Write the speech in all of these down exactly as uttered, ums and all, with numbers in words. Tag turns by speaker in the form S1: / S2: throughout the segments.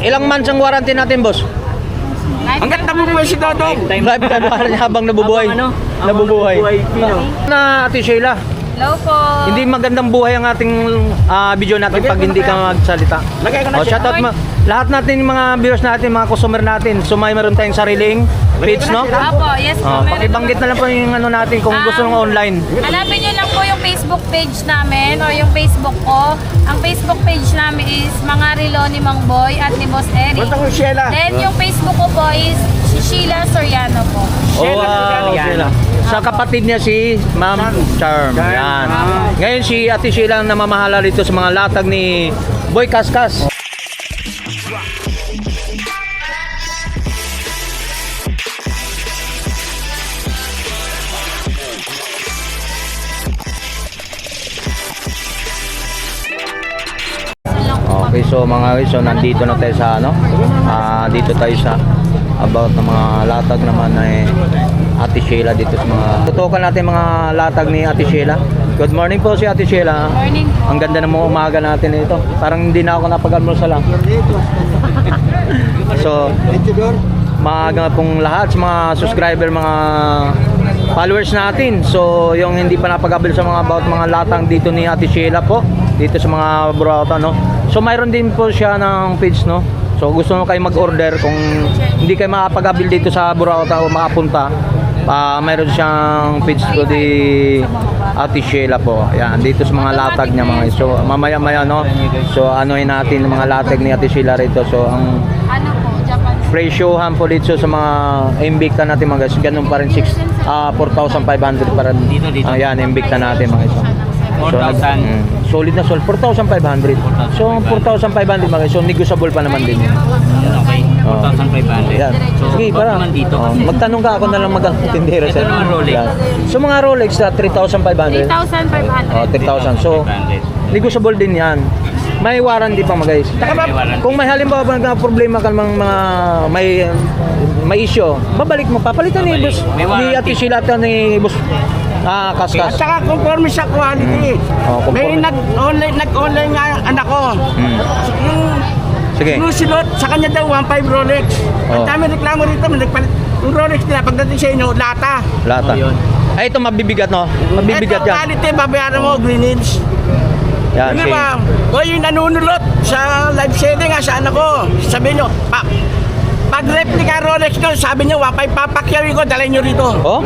S1: ilang months ang warranty natin, boss?
S2: Hanggat nabubuhay si Dodong.
S1: Lifetime warranty habang nabubuhay.
S3: Habang ano?
S1: Nabubuhay. Na Ate Sheila.
S4: Hello po.
S1: Hindi magandang buhay ang ating ah, video natin pag hindi ka magsalita.
S2: Lagay ko na
S1: Oh,
S2: siya.
S1: shoutout ma lahat natin yung mga viewers natin, mga customer natin. So may meron tayong sariling page, no?
S4: Apo, yes po.
S1: Oh,
S4: meron
S1: pakibanggit na lang po yung ano natin kung gusto ng online.
S4: Hanapin nyo lang po yung Facebook page namin o yung Facebook ko. Ang Facebook page namin is Mga Relo ni Mang Boy at ni Boss Eric.
S2: Punta ko Sheila.
S4: Then yung Facebook ko po is si Sheila Soriano po.
S1: Oh,
S2: Sheila,
S1: wow,
S2: yan.
S1: Sheila. Sa kapatid niya si Ma'am Charm. Yan. Ngayon si Ate Sheila ang namamahala rito sa mga latag ni Boy Kaskas. Okay, so mga guys, so nandito na tayo sa ano, ah dito tayo sa about ng mga latag naman ay Ate Sheila dito sa mga tutukan natin mga latag ni Ate Sheila. Good morning po si Ate Sheila.
S4: Morning po.
S1: Ang ganda ng mga umaga natin ito. Parang hindi na ako napag-almusal lang. So, maaga pong lahat sa mga subscriber, mga followers natin. So, yung hindi pa napag-abil sa mga about mga latang dito ni Ate Sheila po, dito sa mga Burauta, no. So, mayroon din po siya ng page, no. So, gusto mo kayo mag-order kung hindi kayo makapag-abil dito sa Burauta o makapunta, uh, mayroon siyang page ko di Ate Sheila po. Ayan, dito sa mga latag niya mga. So, mamaya-maya, no. So, anoin natin yung mga latag ni Ate Sheila rito. So, ang
S4: Ano po, Japan.
S1: presyohan po dito sa mga Invicta natin mga guys, ganun pa rin six, ah, four thousand five hundred pa rin.
S3: Dito, dito.
S1: Ayan, Invicta natin mga guys.
S3: four thousand.
S1: Mm, solid na solid, four thousand five hundred. So, four thousand five hundred mga guys. So, negotiable pa naman din.
S3: Okay, four thousand five hundred.
S1: Yan.
S3: So,
S1: Sige,
S3: about
S1: para.
S3: naman dito.
S1: Oh, magtanong ka ako na lang mag-tindero
S3: Ito naman Rolex.
S1: So, mga Rolex na three thousand five hundred.
S4: three thousand five hundred.
S1: Oh, three thousand. So, negotiable din yan. May warranty pa mga guys. Kung may halimbawa ba na problema ka ng mga may may issue, babalik mo, papalitan ni boss
S3: May
S1: ni
S3: warranty.
S1: Ate Sheila at ni boss ah
S2: At
S1: Kaskas.
S2: saka conforme sa quality.
S1: Oh, conforme.
S2: May nag-online nag-online nga ang anak ko.
S1: Hmm.
S2: Yung
S1: Sige.
S2: Lusilot, sa kanya daw one point five Rolex.
S1: Oh.
S2: Ang dami reklamo rito, may nagpalit. Yung Rolex nila pagdating sa inyo, lata.
S1: Lata.
S3: Oh, yun.
S1: Ay, ito mabibigat no. Mabibigat
S2: Ito,
S1: yan.
S2: quality, babayaran mo, Greenwich.
S1: Yan,
S2: Hindi
S1: sige.
S2: ba? O yung nanunulot sa live selling nga sa anak ko. Sabi nyo, pa, pag replica Rolex ko, sabi nyo, wapay papakyawin ko, dalhin nyo rito.
S1: Oh?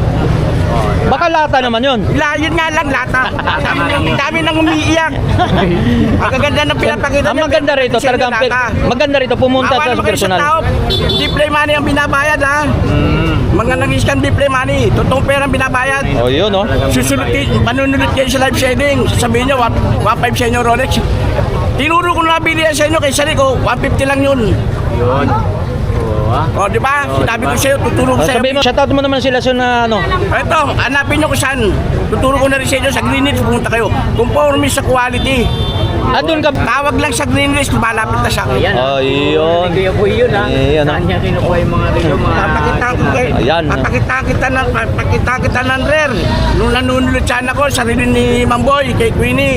S1: Baka lata naman yun.
S2: La, yun nga lang, lata. Dami nang, dami nang umiiyak. Ang gaganda ng pinapakita
S1: Ang
S2: niya,
S1: maganda rito,
S2: kasi
S1: talagang
S2: lata.
S1: maganda rito pumunta
S2: Awan
S1: sa
S2: mo kayo
S1: personal.
S2: tao, display money ang binabayad ha.
S1: Mm.
S2: Mga nag-scan display money, totoong pera ang binabayad.
S1: Oh, yun oh.
S2: Susunod kayo, manunulot kayo sa live selling. Sabihin nyo, one point five sa inyo Rolex. Tinuro ko na nabili yan sa inyo, kay Sari ko, one fifty lang yun.
S3: Yun. Oo, ah.
S2: O, di ba? Sinabi ko sa'yo, tuturo
S1: Oh,
S2: ko sa'yo.
S1: sabi mo, shoutout mo naman sila sa na ano.
S2: Ito, hanapin nyo kung saan. Tuturo ko na rin sa inyo, sa Greenwich, pumunta kayo. Conforme sa quality.
S1: Ah, doon ka.
S2: Tawag lang sa Greenwich, malapit na siya.
S3: Ayan.
S1: Oh, yun.
S3: Kuya po yun ha.
S1: Ayan, ah.
S3: Saan niya kinukuha yung mga relo mga...
S2: Papakita ko kayo.
S1: Ayan.
S2: Papakita kita ng papakita kita ng rare. Nung nanunulot sana ko, sarili ni Mamboy, kay Queenie.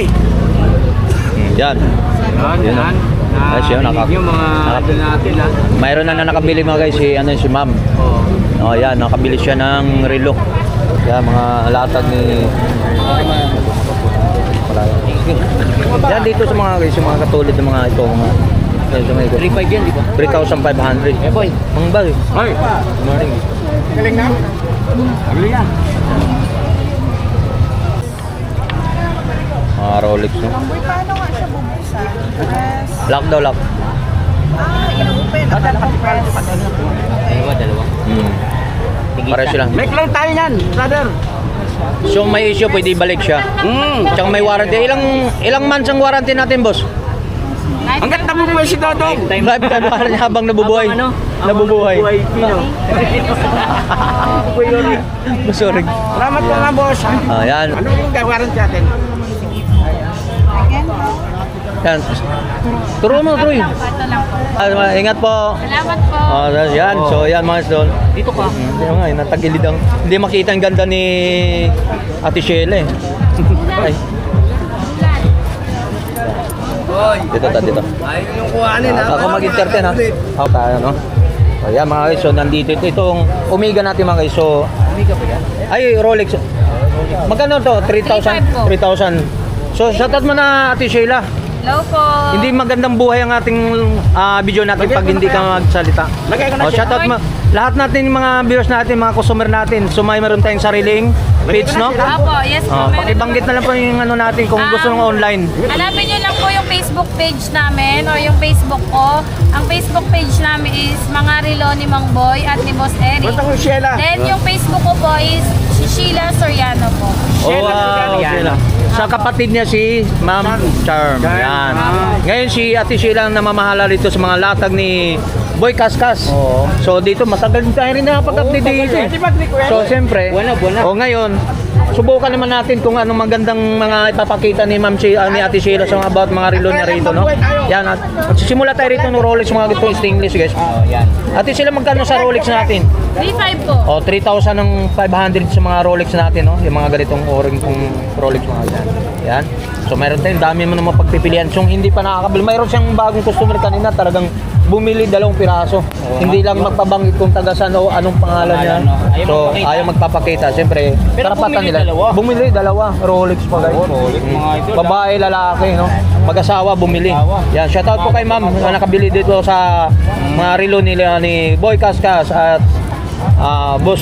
S1: Yan.
S3: Yan,
S1: Yun.
S3: yan.
S1: Ayos yun, naka-
S3: yung mga
S1: naka-
S3: ano natin ha.
S1: Mayroon na na nakabili mga guys si ano si Ma'am.
S3: Oo.
S1: Oh, yan, nakabili siya ng relo. Yan mga latag ni yan dito sa mga guys, yung mga katulad ng mga ito, mga yan, sa mga ito.
S3: three five yan, di ba?
S1: three thousand five hundred.
S3: Eh boy.
S1: Mang bal.
S2: Ay,
S1: Good morning.
S2: galing na. Galing na.
S1: Mga Rolex, no?
S5: Boy, paano nga siya bubuksan? Yes.
S1: Lock daw, lock.
S5: Ah, inopen. Naka-compress.
S3: Dalawa, dalawa.
S1: Hmm. Para sila.
S2: Make lang tayo yan, brother.
S1: So may issue, pwede ibalik siya.
S2: Mm.
S1: Tsaka may warranty. Ilang ilang months ang warranty natin, boss?
S2: Hanggat nabubuhay si Dodong.
S1: Lifetime warranty habang nabubuhay.
S3: Habang ano?
S1: Nabubuhay.
S3: Buhay, Pino.
S1: Sorry.
S2: Salamat po nga, boss.
S1: Ah, yan.
S2: Ano yung gawaran natin?
S5: Again, no?
S1: Yan. Turo mo, Troy.
S4: Ito lang po.
S1: Ah, ingat po.
S4: Salamat po.
S1: Oh, yan. So, yan mga idol.
S3: Dito ka.
S1: Hindi nga, eh, natagilid ang... Hindi makita ang ganda ni Ate Sheila eh. Ay. Dito ta, dito.
S2: Ayun yung kuhanin ha.
S1: Ako mag-entertain ha. Ako tayo, no? So, yan mga guys. So, nandito ito. Itong Omega natin mga guys. So,
S3: Omega ba yan?
S1: ay, Rolex. Magkano to? three thousand? three thousand. So, shoutout mo na Ate Sheila.
S4: Hello po.
S1: Hindi magandang buhay ang ating ah, video natin pag hindi ka magsalita.
S2: Lagay ko na
S1: Oh,
S2: siya.
S1: shoutout mo. Lahat natin yung mga viewers natin, mga customer natin. So, may meron tayong sariling page, no?
S4: Apo, yes po.
S1: Oh,
S4: meron
S1: pakibanggit na lang po yung ano natin kung gusto ng online.
S4: Hanapin nyo lang po yung Facebook page namin o yung Facebook ko. Ang Facebook page namin is Mga Relo ni Mang Boy at ni Boss Eric.
S2: Punta ko yung Sheila.
S4: Then yung Facebook ko po is si Sheila Soriano po.
S1: Oh,
S2: Sheila,
S1: wow,
S2: yan.
S1: Sheila. Sa kapatid niya si Ma'am Charm. Yan. Ngayon si Ate Sheila ang namamahala dito sa mga latag ni Boy Kaskas.
S3: Oo.
S1: So dito matagal din tayo rin nakapag-update dito. eh. So siyempre,
S3: Buwan na, buwan na.
S1: o ngayon, subukan naman natin kung anong magandang mga ipapakita ni Ma'am si, ah, ni Ate Sheila sa mga about mga relo niya rito, no? Yan, at magsisimula tayo rito ng Rolex mga ganitong stainless, guys.
S3: Oh, yan.
S1: Ate Sheila, magkano sa Rolex natin?
S4: three five po.
S1: O, three thousand ng five hundred sa mga Rolex natin, no? Yung mga ganitong o-ring kong Rolex mga yan. Yan. So, mayroon tayong dami mo naman pagpipilian. So, hindi pa nakakabili. Mayroon siyang bagong customer kanina, talagang bumili dalawang piraso. Hindi lang magpabanggit kung taga saan o anong pangalan niya.
S3: Pangalan, no? Ayaw
S1: So,
S3: magpakita.
S1: ayaw magpapakita. Siyempre,
S3: Pero
S1: karapatan
S3: bumili
S1: nila.
S3: dalawa.
S1: Bumili dalawa. Rolex pa guys.
S3: Oo, Rolex,
S1: Mm.
S3: mga idol,
S1: Babae, lalaki, no? Mag-asawa, bumili.
S3: Mag-asawa.
S1: Yan, shoutout po kay ma'am na nakabili dito sa mga relo nila ni Boy Kaskas at ah, Boss.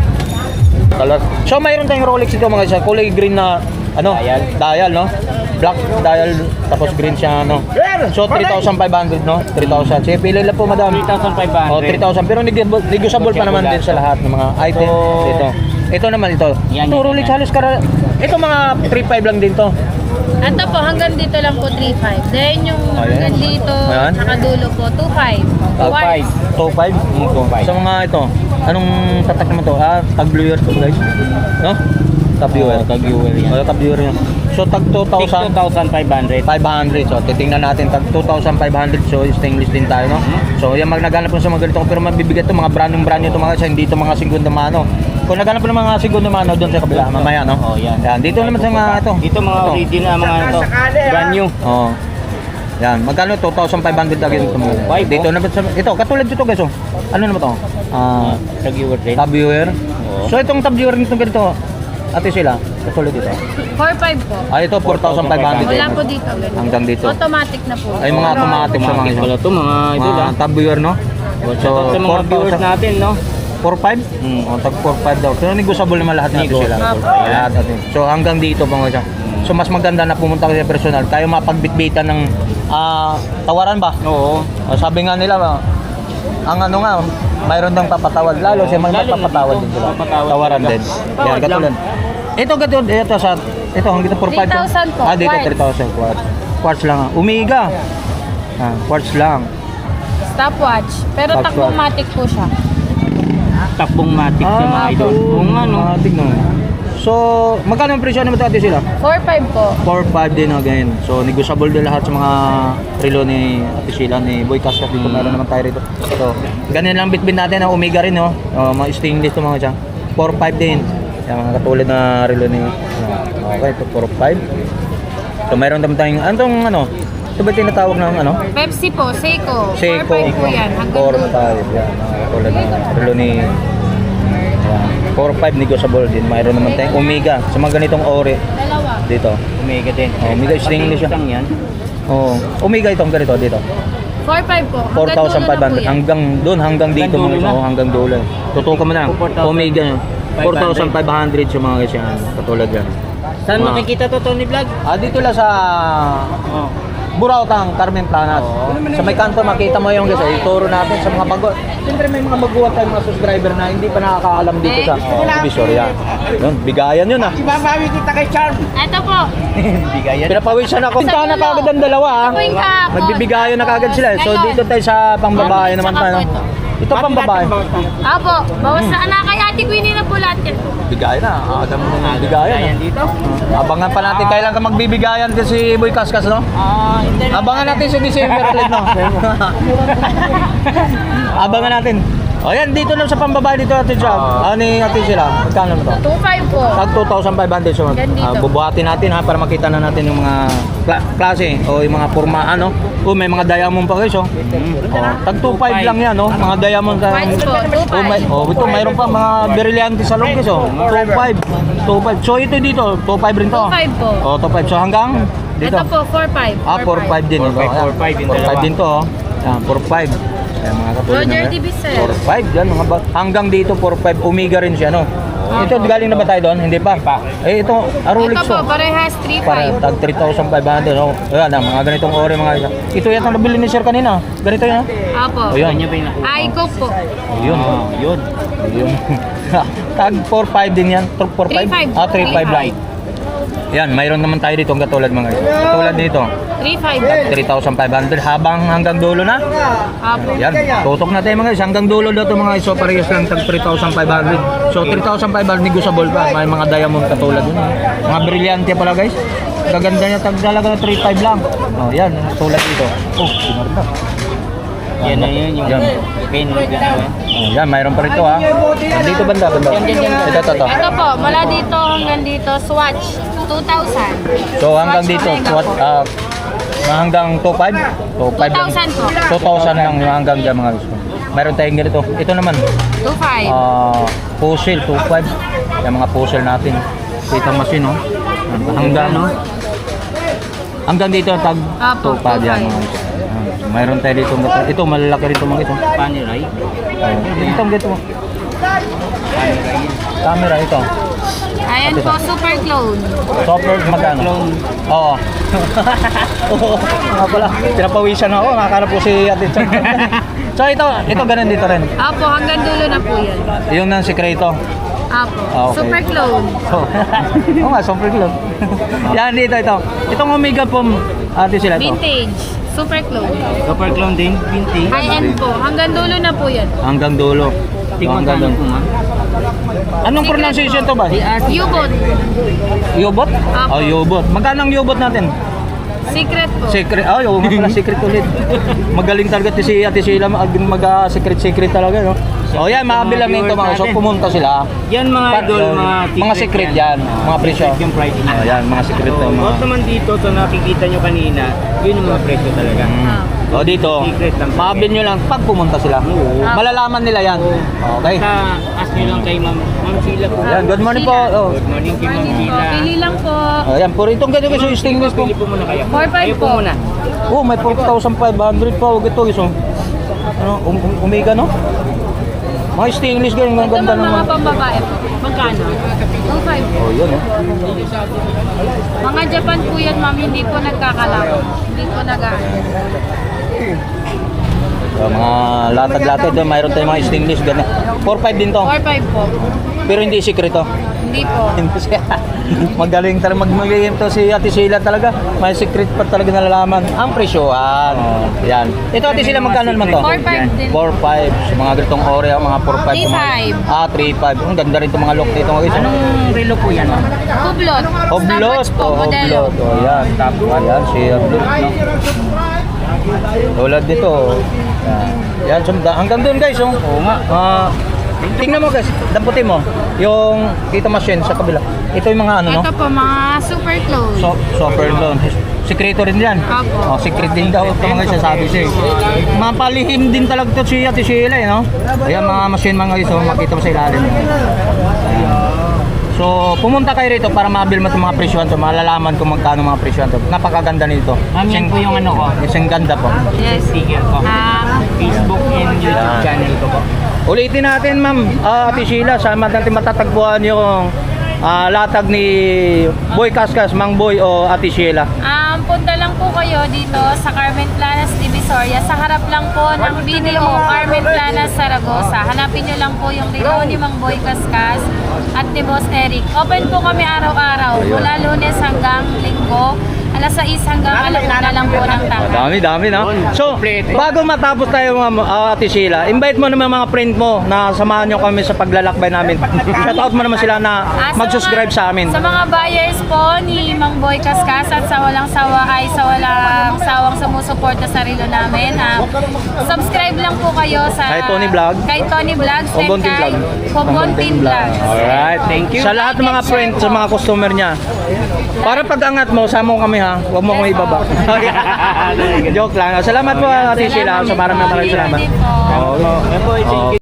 S1: Color. So mayroon tayong Rolex dito mga isa, kulay green na ano,
S3: Dial.
S1: dial, no? Black dial tapos green siya, no? So three thousand five hundred, no? three thousand. Sige, pili lang po madam.
S3: three thousand five hundred.
S1: Oh, three thousand pero negotiable negotiable pa naman din sa lahat ng mga items
S3: So,
S1: dito. Ito naman ito.
S3: Yan,
S1: Ito
S3: yan,
S1: Rolex
S3: yan.
S1: halos kara. Ito mga three five lang din to.
S4: Ito po, hanggang dito lang po three five. Then yung
S1: Ayan.
S4: hanggang dito,
S1: Ayan.
S4: nakadulo po, two five.
S3: Two five.
S1: two five?
S3: Mm, two five.
S1: Sa mga ito, anong tatak naman to? Ah, tag viewer to guys. No? Tag viewer.
S3: Oo, tag viewer yan.
S1: Oh, tag viewer yan. So tag two
S3: two
S1: thousand
S3: thousand five hundred.
S1: five hundred. So titingnan natin tag two thousand five hundred. So stainless din tayo, no? So yan mag naghanap po sa mga ganito pero mabibigat to mga brand brand nyo to mga kasi hindi to mga segunda mano. Kung naghanap po ng mga segunda mano doon sa kabila mamaya, no?
S3: Oh, yan.
S1: Yan, dito naman sa mga ito.
S3: Dito mga
S1: Ito.
S3: original, mga ito.
S2: Sakali, ah.
S3: Brand new.
S1: Oh. Yan, magkano two thousand five hundred agad ito mo.
S3: Five,
S1: Dito
S3: oh.
S1: naman sa ito, katulad dito guys, oh. Ano naman to? Ah,
S3: Tag viewer din.
S1: tab viewer.
S3: Oo.
S1: So itong tab viewer nito ganito. Ate sila, katulad dito.
S4: four five po.
S1: Ah, ito four thousand five hundred.
S4: Wala po dito. ganun.
S1: Hanggang dito.
S4: Automatic na po.
S1: Ay mga automatic sa mga
S3: Automatic
S1: ito.
S3: pala to mga idol,
S1: Mga
S3: ah.
S1: tab viewer, no?
S3: So, sa mga viewers natin, no?
S1: four five? Mm, oh, tag four five daw. Pero negotiable naman lahat nito sila.
S3: Negotiable.
S1: Lahat natin. So hanggang dito pa mga siya. So mas maganda na pumunta kayo sa personal. Tayo mapagbitbitan ng ah, tawaran ba?
S3: Oo.
S1: O, sabi nga nila, ah, ang ano nga, mayroon dang papatawad. Lalo siya may
S3: Lalo na
S1: magpapatawad
S3: dito,
S1: din sila.
S3: papatawad
S1: Tawaran
S3: sila.
S1: din.
S3: Tawad
S1: Yan, katulad. Ito, katulad. Ito, sa, ito, hanggang ito, four five.
S4: three thousand po,
S1: Ah, dito,
S4: quartz.
S1: three thousand. Quartz. Quartz lang. ah. Omega. Ah, quartz lang.
S4: Stopwatch. Pero
S1: Stopwatch.
S4: takbomatic po siya.
S3: Takbong matic sa mga idol.
S1: oo,
S3: Kung ano.
S1: matik na. So, magkano ang presyo naman ito sila?
S4: four five po.
S1: four five din again. So, negotiable din lahat sa mga relo ni Ate Sheila, ni Boy Kaskas dito. Meron naman tayo rito. So, ganyan lang bitbit natin ang Omega rin, no? Oh, mga stainless to mga siya. four five din. Yung mga katulad na relo ni... ah, okay, ito four five. So, meron naman tayong... Anong ano? Ito ba tinatawag ng ano?
S4: Pepsi po, Seiko.
S1: Seiko.
S4: four five po yan. Hanggang
S1: four
S4: dulo.
S1: five. Yan, mga katulad na relo ni... four five negotiable din. Mayroon naman tayong Omega sa mga ganitong ore
S4: Dalawa.
S1: dito.
S3: Omega din.
S1: Oh, Omega stainless siya.
S3: Lang yan.
S1: Oo. Omega itong ganito dito.
S4: four five po.
S1: four
S4: Hanggang
S1: thousand
S4: dulo
S1: five
S4: na po
S1: hundred
S4: yan.
S1: hanggang doon hanggang dito
S3: Hanggang
S1: mga
S3: dulo
S1: oh,
S3: na.
S1: hanggang dulo. Tutukan mo na.
S3: four thousand
S1: Omega four thousand five hundred sa mga guys yan. Katulad yan.
S3: Saan
S1: Mga-
S3: makikita to, Tony Vlog?
S1: Ah, dito lang sa
S3: Oh.
S1: Burautang, Carmen Planas.
S3: Oo.
S1: Sa may kanto makita mo yung guys, eh, ituro natin sa mga bago. Siyempre may mga baguhan tayong mga subscriber na hindi pa nakakaalam dito sa oh, Visoria. Yun, bigayan yun ah.
S2: Ibabawi kita kay Charm.
S4: Ito po.
S3: Bigayan.
S1: Pinapawisan ako. Pinta na kagad ang dalawa ah.
S4: Ito po yung kahapon.
S1: Magbibigayan na kagad sila. So
S4: Ngayon.
S1: dito tayo sa pangbabae naman
S4: Saka
S1: tayo.
S4: po ito.
S1: Ito pang babae.
S4: Apo, bawas na anak kay Ate Ate Queenie na po lahat yan.
S1: Bigay na. Aga mo na bigayan.
S3: Ayan
S1: ah.
S3: dito.
S1: Abangan pa natin kailan ka magbibigayan kasi Boy Kaskas, no?
S3: Ah, hindi.
S1: Abangan natin sa December ulit, no? Abangan natin. O yan, dito na sa pambabae dito Ate Jam.
S3: Ah.
S1: Ano ni Ate sila? Magkano na to?
S4: two five po.
S1: Tag two thousand five hundred. So,
S4: Gandito.
S1: ah, bubuhatin natin ha para makita na natin yung mga kla- klase o yung mga pormaan, no? O may mga diamond pa guys, oh. Oh, tag two five lang yan, no? Mga diamond. ah,
S4: Whites po, two
S1: Oh, may,
S4: five.
S1: oh, ito mayroon pa mga brillante sa loob guys, oh. two five. two five. So ito dito, two five rin to.
S4: two five po.
S1: Oh, two five. So hanggang dito.
S4: Ito po, four five.
S1: Ah, four five din.
S3: four five, four five yung
S1: four five
S3: dalawa.
S1: din to, oh. Yan, four five. Ayan, mga katulad
S4: Roger
S1: na-
S4: D B, sir.
S1: four five yan, mga ba- hanggang dito four five. Omega rin siya, no? Ito, galing na ba tayo doon? Hindi pa. Eh, ito, Arulix
S4: Ito po,
S1: to.
S4: parehas three
S1: Para
S4: five.
S1: tag three thousand five hundred. Oh. Ayan, ah, mga ganitong ore, mga isa. Ito yata nabili ni Sir kanina. Ganito yan.
S4: Apo.
S1: Ayun.
S3: Kanya ba yung nakuha?
S4: Ay, Coke po.
S1: Ayun.
S3: Ah, yun.
S1: Ayun. Tag four five din yan. four five?
S4: three five.
S1: Ah, three five lang. Yan, mayroon naman tayo dito ang katulad mga isa. Katulad dito.
S4: three five.
S1: three thousand five hundred habang hanggang dulo na.
S4: Apo.
S1: Yan, tutok na tayo mga guys. Hanggang dulo daw ito mga guys. So parehas lang tag three thousand five hundred. So three thousand five hundred negotiable pa. May mga diamond katulad yun. Mga brilyante pala guys. Gaganda niya tag talaga na three five lang. Oh, yan, tulad dito. Oh, sinarda.
S3: Yan na yun, yung
S1: Yan.
S3: pin. Yan.
S1: Oh, yan, mayroon pa rito ha. Dito banda, banda.
S3: Yan, yan, yan.
S1: Ito, ito, ito.
S4: Ito po, mula dito hanggang dito, Swatch, two thousand.
S1: So hanggang
S4: Swatch
S1: dito,
S4: Omega
S1: what,
S4: po.
S1: ah, hanggang two five? two five lang.
S4: two thousand po.
S1: two thousand lang yung hanggang dyan mga guys. Mayroon tayong ganito. Ito naman,
S4: two five.
S1: ah, puzzle, two five. Yung mga puzzle natin. Dito machine, no? Hanggang, no? Hanggang dito, tag two
S4: Apo,
S1: five yan
S4: two five.
S1: mga guys. Ayan. So, mayroon tayo dito. Ito, malalaki rito mga ito.
S3: Paneray.
S1: Oh, ito, ito.
S3: Paneray.
S1: Camera ito.
S4: Ayan po, super clone.
S1: Software magkano? Oo. Oo. Nga pala, pinapawisan ako. Nakakarap po si Ate Chan. So ito, ito ganun dito rin.
S4: Apo, hanggang dulo na po yan.
S1: Yung ng sikreto.
S4: Apo,
S1: Ah, okay.
S4: super clone.
S1: So, oo nga, software club. Yan dito, ito. Itong Omega po, ate sila ito.
S4: Vintage, super clone.
S3: Super clone din, binti.
S4: High-end po, hanggang dulo na po yan.
S1: Hanggang dulo. So,
S3: Tingnan
S1: hanggang
S3: ka
S1: dulo.
S3: po, ma'am.
S1: Anong
S4: Secret
S1: pronunciation
S4: po.
S1: to ba?
S4: U-boat,
S1: Yobot?
S4: Apo.
S1: Oh, yobot. Magkano ang yobot natin?
S4: secret po.
S1: Secret. Oh, yung nga pala secret ulit. Magaling talaga si Ate Sheila mag, mag uh, secret secret talaga, no? Oh, yan, makabilang nito mga. So pumunta sila.
S3: Yan mga
S1: Pa-
S3: idol,
S1: oh,
S3: mga
S1: mga secret yan, mga presyo.
S3: Secret yung price niya.
S1: Oh, yan, mga secret to,
S3: So,
S1: mga.
S3: Huwag naman dito, sa nakikita nyo kanina, yun ang mga presyo talaga.
S4: Ah.
S1: Oh, dito.
S3: Secret lang.
S1: Makabil nyo lang pag pumunta sila.
S3: Oo.
S1: Malalaman nila yan. Okay.
S3: Basta ask nyo lang kay Ma'am Ma'am Sheila po.
S1: Yan, good morning po. Oh.
S3: Good morning kay Ma'am
S4: Morning po,
S3: Sheila.
S4: pili lang po.
S1: Oh, yan, puro itong ganito guys, yung stainless po.
S3: Pili po muna kayo.
S4: four five
S3: Kayo po
S4: po.
S3: muna.
S1: Oh, may four thousand five hundred pa. Huwag ito, guys. Oh. Ano, um, um, Omega, no? Mga stainless ganyan, ang
S4: Ito
S1: ganda
S4: mga
S1: naman.
S4: pambabae po. Magkano? two five po.
S1: Oh, yun, oh.
S4: Mga Japan po yan, ma'am, hindi po nagkakalako. Hindi po nag-ano.
S1: So, mga latag-latag doon, mayroon tayong mga stainless ganyan. four five din to.
S4: four five po.
S1: Pero hindi sikreto.
S4: Hindi po.
S1: Hindi siya. Magaling talaga magmagiging to si Ate Sheila talaga. May secret pa talaga nalalaman. Ang presyohan. Yan. Ito Ate Sheila magkano naman to?
S4: four five din.
S1: four five. So, mga ganitong ore, mga four five.
S4: three five.
S1: Ah, three five. Ang ganda rin itong mga look dito. Mga guys.
S3: Anong relo po yan, ma'am?
S4: Hublot.
S1: Oblot.
S4: Stopwatch po,
S1: Oh,
S4: modelo.
S1: oblot. Oh, yan. Top one. Yan, si Oblot. No? Tulad dito. Yan. Yan. So, hanggang doon guys. Oh.
S3: Oo nga.
S1: Ah, tingnan mo guys. Damputin mo. Yung dito machine sa kabila. Ito yung mga ano, no?
S4: Ito po, mga super clone.
S1: So, software doon. Sekreto rin yan.
S4: Apo.
S1: Oh, secret din daw. Ito mga sasabi siya. eh. Mapalihim din talaga ito si Ate Sheila, eh, no? Ayan, mga machine mga guys. Oh, makita mo sa ilalim. Ayan. So, pumunta kayo rito para mabil mo itong mga presyohan to. Malalaman kung magkano mga presyohan to. Napakaganda nito.
S3: Ma'am, yan po yung ano ko.
S1: Isang ganda po.
S4: Yes.
S3: Sticker ko.
S4: Ah,
S3: Facebook and YouTube
S1: Yan.
S3: channel ko po.
S1: Ulitin natin, ma'am. Ah, Ate Sheila, saan natin matatagpuan yung ah, latag ni Boy Kaskas, Mang Boy o Ate Sheila?
S4: Um, punta lang po kayo dito sa Carmen Planas, Divisoria. Sa harap lang po ng B D O, Carmen Planas, Zaragoza. Hanapin nyo lang po yung relo ni Mang Boy Kaskas at ni Boss Eric. Open po kami araw-araw, mula Lunes hanggang Linggo. alas sais hanggang alauna lang po ng tanghali.
S1: Dami, dami na. So, bago matapos tayo mga uh, Ate Sheila, invite mo naman mga friend mo na samahan nyo kami sa paglalakbay namin. Shout out mo naman sila na
S4: Ah, sa
S1: mag-subscribe
S4: mga-
S1: sa amin.
S4: Sa mga buyers po ni Mang Boy Kaskas at sa walang sawa ay sa walang sawang sumusuporta sa relo namin. Ah, subscribe lang po kayo sa
S1: Kay Tony Vlog.
S4: Kay Tony Vlogs and
S1: Kumbontin
S4: kay
S1: Vlog.
S4: Kumbontin Vlogs.
S1: Alright, thank you. Sa lahat ng mga friend, sa mga customer niya. Para pag-angat mo, sama mo kami ha. Huwag mo kami ibaba. Joke lang. Salamat po Ate Sheila. Sa maraming maraming salamat.
S4: Thank you din po.
S1: Oo.
S3: Yan po,
S1: Oo.